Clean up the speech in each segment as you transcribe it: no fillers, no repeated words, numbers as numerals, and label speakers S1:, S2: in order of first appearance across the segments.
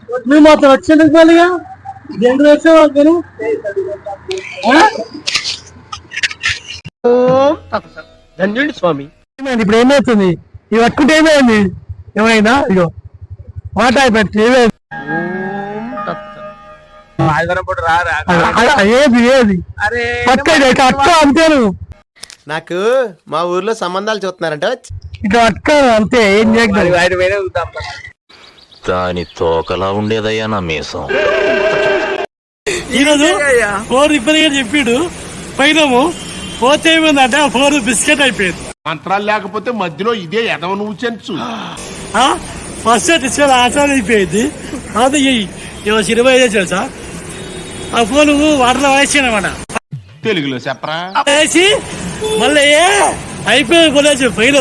S1: నువ్వు మాత్రం వచ్చేందుకు మళ్ళీగా దేంట్లో వచ్చావు నేను
S2: ధన్యుడి స్వామి.
S1: ఇప్పుడు ఏమవుతుంది ఇవి పట్టుకుంటే ఏమైంది ఏమైందా ఇగో మాట అయిపోయింది ఏది ఏది అక్క అంతేను
S3: నాకు మా ఊర్లో సంబంధాలు చూస్తున్నారంట
S1: ఇట్లా అక్క అంతే ఏం చేయగలరు
S4: దాని తోకలా ఉండేదయ్యా నా మీసం.
S1: ఈరోజు ఫోన్ రిపేర్ గా చెప్పాడు పోయినాము పోతే ఏమైందంటే ఆ ఫోన్ బిస్కెట్ అయిపోయింది.
S5: మంత్రాలు లేకపోతే మధ్యలో ఇదే ఎదవ నువ్వు చెంచు
S1: ఫస్ట్ డిస్ప్లే ఆచారం అయిపోయింది. అది సినిమా ఏదో తెలుసా ఆ ఫోన్ వాటర్లో వేసాను అనమాట
S5: తెలుగులో చెప్పరా
S1: వేసి మళ్ళీ అయిపోయి కొనేసి పైన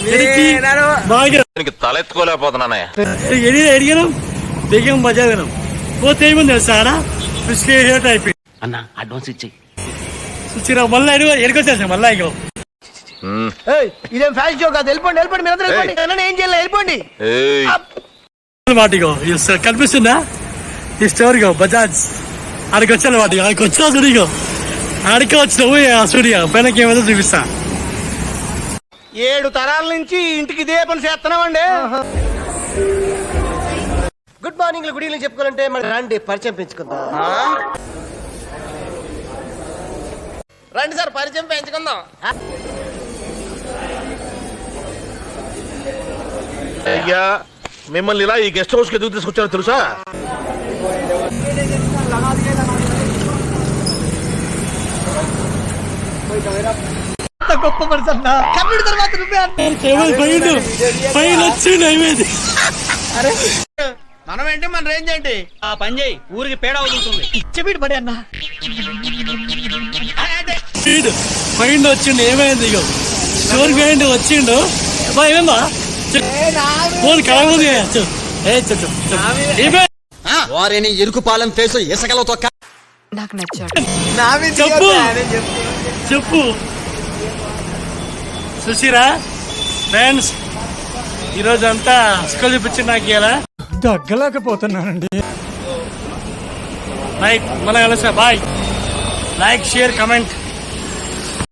S4: తలెత్తుకోలేకపోతున్నానయ్యా.
S1: ఎడిగాను దిగాం బజారు పోతే ఏముంది తెలుసా బిస్కెట్ అయిపోయింది
S2: అన్న అడ్వాన్స్ ఇచ్చేయి.
S1: చూసిరా మళ్ళీ ఎడుకొచ్చేసా మళ్ళీ ఇగో
S3: ఇదేం ఫ్యాషన్ షో కాదు. వెళ్ళిపోండి వెళ్ళిపోండి మీరు అందరూ వెళ్ళిపోండి. ఏం చేయాలి వెళ్ళిపోండి.
S1: వాటిగో కనిపిస్తుందా ఈ స్టోరీగో బజాజ్ ఆడికి వచ్చాను వాటి ఆడికి వచ్చినా సుడిగో ఆడికి వచ్చినావు సూర్య పైనకి ఏమైనా చూపిస్తా.
S3: 7 తరాల నుంచి ఇంటికి ఇదే పని చేస్తున్నామండి. గుడ్ మార్నింగ్ గుడ్ ఈవినింగ్ చెప్పుకోవాలంటే మన రండి పరిచయం పెంచుకుందాం. రండి సార్ పరిచయం పెంచుకుందాం.
S4: అయ్యా మిమ్మల్ని ఇలా ఈ గెస్ట్ హౌస్ కి ఎందుకు తీసుకొచ్చారో తెలుసా?
S3: గొప్ప పర్సన్ తర్వాత మనం ఏంటి మన రేంజ్ ఏంటి
S2: ఆ పని చేయి ఊరికి పేడ అవుతుంది.
S3: ఇచ్చబీడు పడి అన్న
S1: మైండ్ వచ్చిండు ఏమైంది ఇగో స్టోర్ మైండ్ వచ్చిండు ఏమేందా ఫోన్ కలవదు
S3: వారిని ఎరుకు పాలెం ఫేసు ఇసకలో తొక్క
S6: నాకు నచ్చాడు.
S1: చెప్పు చెప్పు చూసిరా ఫ్రెండ్స్ ఈరోజు అంతా స్కూల్ చూపించి నాకు ఇలా దగ్గలేకపోతున్నానండి. రైట్ మళ్ళీ కలిసా బాయ్. Like share comment.